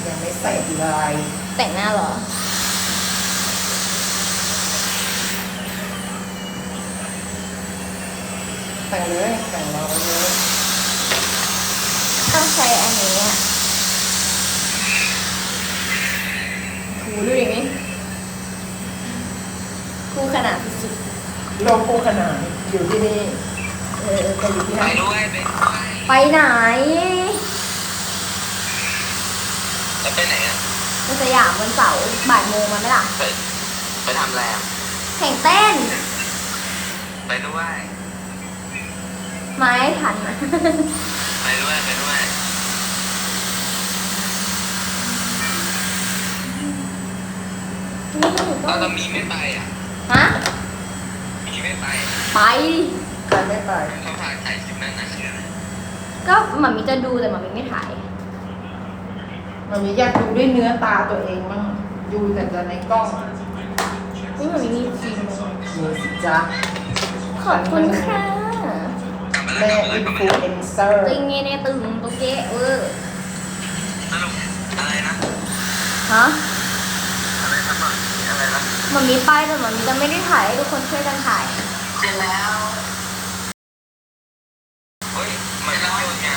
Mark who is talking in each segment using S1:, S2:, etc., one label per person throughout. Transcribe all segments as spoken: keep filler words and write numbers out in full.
S1: ยังไม่เสร็จเลย
S2: แต่งหน้าเหรอ
S1: แต่งเลยแต่งรอไว้เลย
S2: ต้องใช้อันนี้อ่ะถูดูอย่างนี้คู่ขนาดสุด
S1: โลโก้ขนาดอยู่ที่นี่เออจะอยู่ที่
S3: ไป
S1: ไหน
S3: ด้วยไปด้วย
S2: ๆไปไหน
S3: แล้วไปไหนอ่ะ
S2: ไปสยามวันเสาร์บ่ายโมงมาไหมล่ะ
S3: ไปไปทำอะไรอ่ะ
S2: แข่งเต้น
S3: ไปด้วย
S2: ไม่ทันนะ
S3: ไปด้วยไปด้วย ตอนเรามีไม่ไปอ่ะ
S2: ฮะ
S3: มีไม่ไป
S2: ไป
S1: ไปไม่ไป
S3: เขาพาถ่ายคลิปนั้นนะคืออะไร
S2: ก็หมามีจะดูแต่หมามีไม่ถ่าย
S1: มันมีอยากดูด้วยเนื้อตาตัวเองบ้างดูแต่จะในกล้อง
S2: นี่หมามีมีจริงไหม
S1: มีสิจ๊ะ
S2: ขอบคุณค่ะ
S3: กลับมา
S1: แม่
S3: แล้วกลับมา
S1: อิ
S3: แล้ว
S1: น
S3: กลับมาแล้ว
S1: ฟลูเอนเซอร์
S2: ตึงเงี้ยเนี่ยตึงตุ๊กเก๊เออ
S3: สรุปอะไรนะ
S2: ฮะ
S3: อะไรนะมั่งอะไรนะ
S2: หมามีไปแต่หมามีจะไม่ได้ถ่ายให้ทุกคนช่วยกันถ่าย
S3: เสร็จแล้วเฮ้ยไม่เล่าโยนงาน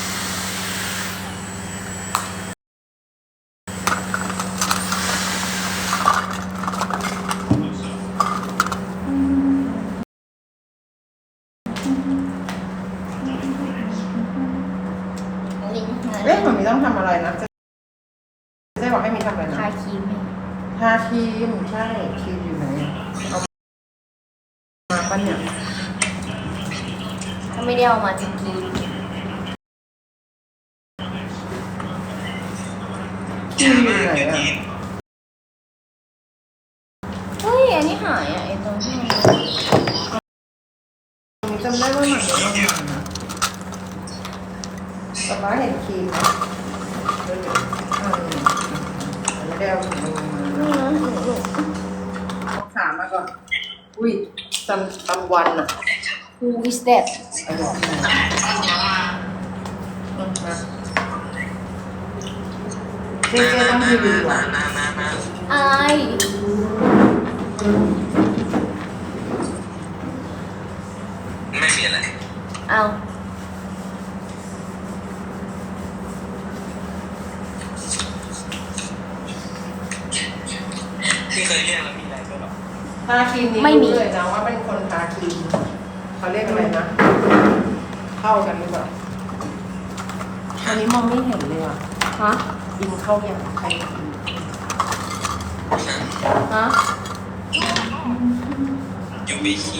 S2: ลิงก์
S1: เอ๊ะมันมีต้องทำอะไรนะจะจะบอกให้มีทำอะไรนะ
S2: ทาครีมให้
S1: ทาครีมใช่ครีมอยู่ไหนอะเอามาปะเนี่ย
S2: ถ้าไม่ได้เอามาจะกิน
S1: ครีมอยู่ไหนอะ
S2: เฮ้ยอันนี้หายอ่ะไอ้ตรงที่มัน
S1: ผมจำได้ว่ามันเป็นต้องมานะป๊าป๊าเห็นครีมไหมเดี๋ยวๆอืมไม่ได้เอาถุงมือมา
S2: นี่นะหนูหนู
S1: เอาขามาก่อน อุ้ยจำจำวันอะ
S2: Who is that
S1: เอาเดี๋ยวมาอืมมาเจ๊เจ๊ต้องรีวิวอ่ะ
S3: มามามา
S2: อาย
S3: ไม่มีอะไร
S2: เอา
S3: ที่เคยเรียกแล้วมีอะไรก็หรอ
S1: ทาครีมนี้รู้เลยนะว่าเป็นคนทาครีมเขาเรียกอะไรนะ เข้ากันหรือเปล่าอันนี้มองไม่เห็นเลยอ่ะ
S2: ฮะ
S1: อินเข้าอย่างใครอิน
S2: ฮะ
S3: อยู่ไปขี่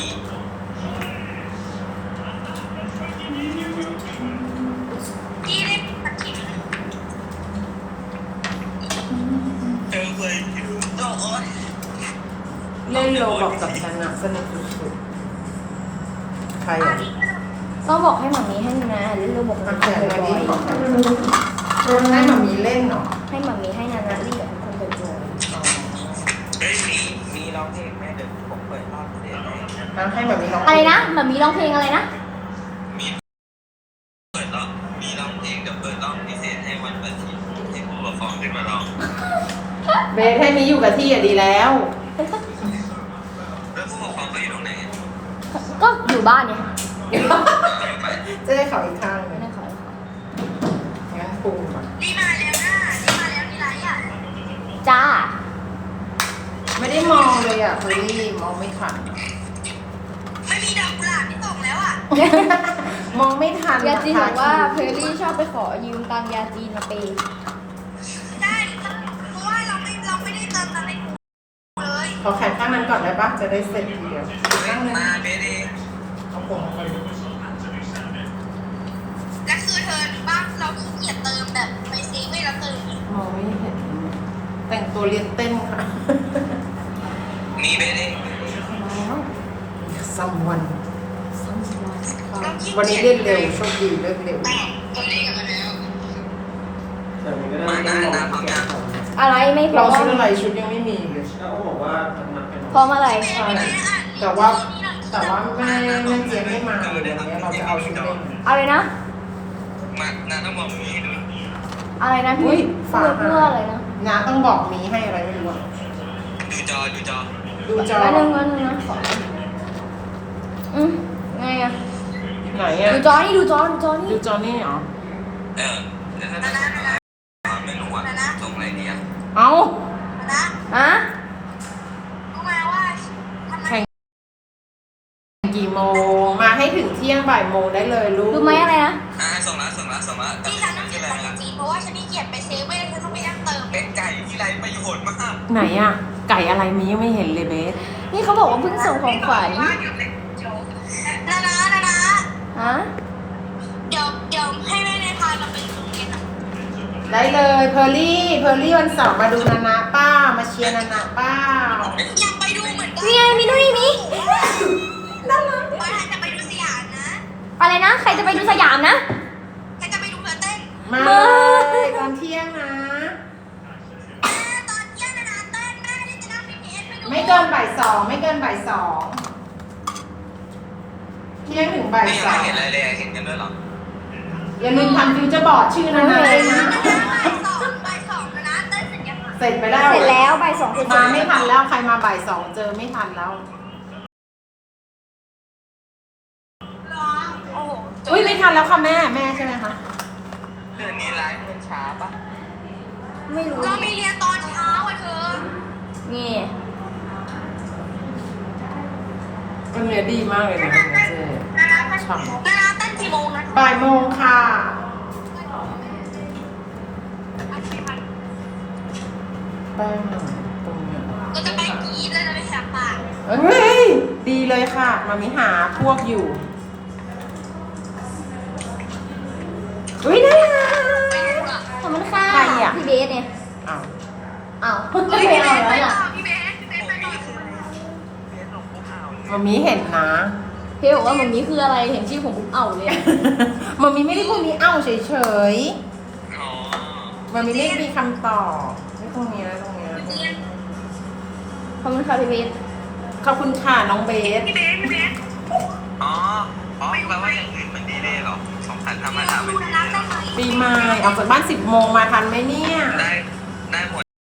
S3: เจอเลยอยู่โต๊ะ
S1: เล่นโลบอกกับฉันอะสนุกสุดๆใครอ่ะ
S2: ต้องบอกให้หมามีให้นานาเล่นเรื่องบอก
S1: มา
S2: นา
S1: แข่ง
S2: นา
S1: มา
S2: บ่
S1: ดิ
S2: อย
S1: บอกกันให้มามีเล่นเหรอ
S2: ๆให้หมามีให้นานาเล่นกับทุกคนบ่อย
S3: เฮ้ยมีมีร้องเพลงแม่เดี๋ยวผมเปิดรอบเสียงให้
S1: แล้วให้แบบมีร้อง
S2: ๆอะไรนะหมามีร้องเพลงอะไรนะ
S3: มีเปิดรอบมีร้องเพลงเดี๋ยวเปิดรอบพิเศษให้วันเปิดทีให้ผู้ปกครองขึ้นมาร้อง
S1: เบสให้นี้อยู่กับที่อะดีแล้ว
S3: แล้วผู้ปกครองก็อยู่ตรงไหนอะ
S2: ก็อยู่บ้านเนี่ย
S3: ไป
S1: จะได้เขาอีกข้างหนึ
S2: ไม่
S1: ง
S2: ได้ขอ
S1: งั้นปรุงก่อน
S3: นี่มาแล้วนะนี่มาแล้วนี่ไรอ่ะ
S2: จ้า
S1: ไม่ได้มองเลยอ่ะเฟอรี่มองไม่ทัน
S3: ไม่มีดอกกุหลาบที่ตกแล้วอ่ะ
S1: มองไม่ทัน
S2: ยาจีนบอกว่าเพ
S1: ท
S2: อรี่ชอบไปขอยืมตังค์ยาจีนมาเปย์
S3: ได้เพราะว่าเราไม่เราไม่ได้เติมอะไรเลย
S1: ขอแขนข้างนั้นก่อนได้ปะจะได้เสร็จทีเดียวข้างนึง
S3: มาเบสเอง
S1: เอาผมมาก่อน
S3: และคือเธอบ้านเราขี้เกียจเติมแบบไปเซเว่นแล้วเติม
S1: มองไม่เห็น แต่งตัวเรียนเต้นค่ะ
S3: มีเบสเอง
S1: ซัมวัน
S2: ซัมวัน
S1: วันนี้เล่นเร็วโชคดีเลิกเร็ว
S3: ตัวนี้กันมาแล้ว
S4: แต่มันก็ได้
S3: มานะนะพร้อมยัง
S2: อะไรไม่พร้
S1: เรา
S2: อม
S1: ชุดอะไรชุดยังไม่มีเลย
S4: เขาบอกว่ามันมันเป็น
S2: พร้อมอะไร
S1: ใช่แต่ว่าแต่ว่าแม่แม่เจี๊ยบไม่มาเลยวันนี้เราจะเอาชุดเล่น
S2: อะไรนะ
S3: มานะต้องมองนี้ดู
S2: ออะไรนะ
S1: อุ๊
S2: พี่
S1: ย
S2: เพื่อ
S1: ฝา
S2: เพื่ออะไรนะ
S1: น้าต้องบอกมีให้อะไรไม่รู้อะ
S3: ดูจอดูจอ
S1: ดูจอ
S2: แล้วนึงแล้วนึงนะขออืมไงอะ
S1: ไหนอะ
S2: ดูจอนี่ดูจอดูจอ
S1: ดู
S2: นี่
S1: จอนี่เหรอ
S3: เออเดี๋ยวนะไม่รู้ว่าส่งอะไรดีอ่ะ
S1: เอ้า
S2: ฮะ
S1: แข่งกี่โมง มาให้ถึงเที่ยงบ่ายโมงได้เลยลูก
S2: ดูไหมอะไรนะ
S3: อ่าส่งแล้วส่งแล้วส่งแล้วแต่
S5: ที่ฉันต้องเขียนภาษาจีนเพราะว่าฉันนี่เขียนไปเซเว่นฉันต้องไปนั่งเติม
S3: เป็นไก่ที่ไรประโยชน์มาก
S1: ไหนอะไก่อะไรมียังไม่เห็นเลยเบส
S2: นี่เขาบอกว่าเพิ่งส่งของขวัญ
S5: นะนะนะนะ
S2: ฮะ
S5: เดี๋ยวเดี๋ยวให้แม่ในพาเราไปโรงเรียนอ่ะ
S1: ได้เลยเพอร์ลี่เพอร์ลี่วันเสาร์มาดูนานาป้ามาเชียร์นานาป้า
S5: อยากไปดูเหมือนกัน
S2: นี่ไงมีนู่นนี่มี
S1: น่ารัก
S5: ว่าจะไปดูสยามนะ
S2: อะไรนะ ใครจะไปดูสยามนะ
S5: ใครจะไปดูเธอเต้น
S1: มาเลยตอนเที่ยงนะ
S5: แม่ตอนเที่ยงนะนะเต้นแม่ที่จะนั่งพีพีเอสไปดู
S1: ไม่เกินบ่ายสองไม่เกินบ่ายสองเที่ยงถึงบ่าย
S3: นี่ยัง
S1: สอ
S3: ไม่
S1: ง
S3: เห็นอะไรเลยเห็นกันด้วยหรอ
S1: อย่าลืมทำฟิวเจอร์บอร์ดชื่อนานาด้วยนะ
S5: บ่ายสองบ่ายสองนะนะเต้นเสร็จยัง
S1: เสร็จไปแล้ว
S2: เสร็จแล้วบ่ายสองเสร็จ
S1: มาไม่ทันแล้วใครมาบ่ายสองเจอไม่ทันแล้ว
S5: โอ้โห
S1: อุ้ยไม่ทันแล้วค่ะแม่แม่ใช่ไหมคะ
S3: เดือนนี้ไลฟ์มันช้าปะ
S2: ไม่รู้
S5: เรามีเรียนตอนเช้าอ่ะเธอ
S2: นี่
S1: มันเนื้อดีมากเลยนะเจ๊
S5: นะนะเต้น
S1: ฉ่ำ
S5: นะนะเต้นกี่โมงนะ
S1: บ่ายโมงค่ะแป้งหน่อยตรงเนี้ย
S5: เราจะไปกรีดแล้วจะไปแหกปาก
S1: เอ้ยดีเลยค่ะ มามิหาพวกอยู่อุ้ยน่ารัก
S5: ไปดูอ่ะ
S2: ขอบคุณค่ะ
S1: ใครอะ
S2: พี่เบสเนี่ย
S1: อ้าว
S2: อ้าว
S5: เฮ้ย
S2: ไม่
S5: พี่เบ
S2: เอา
S5: สไป
S2: แล้ว
S5: ต่
S2: ล่ะ
S5: อพี่เบสพี่เบสไปต่อ
S1: มามิเห็นนะ
S2: พี่บอกว่ามันนี้คืออะไรเห็นชื่อผมปุ๊บเอาเลยอะ
S1: มามิไม่ได้พูดนี้เอ้าเฉย
S3: อ๋อ
S1: ๆมามิไม่มีคำตอบไม่ตรงนี้นะตรงนี้นะ
S2: ขอบคุณค่ะพี่เบส
S1: ขอบคุณค่ะน้องเบส
S5: พี่เบสพี่เบส
S3: อ๋ออ๋อแปลว่าอย่างอื่นมันดีเลยเหรอสองพันธรรมดา
S5: ดู
S3: มัน
S5: นะ
S3: ดี
S5: นะ
S3: เลยเหรอ
S5: ได้ไหม
S1: ปีใหม่ออกจากบ้านสิบโมงมาทันไหมเนี่ย
S3: ได้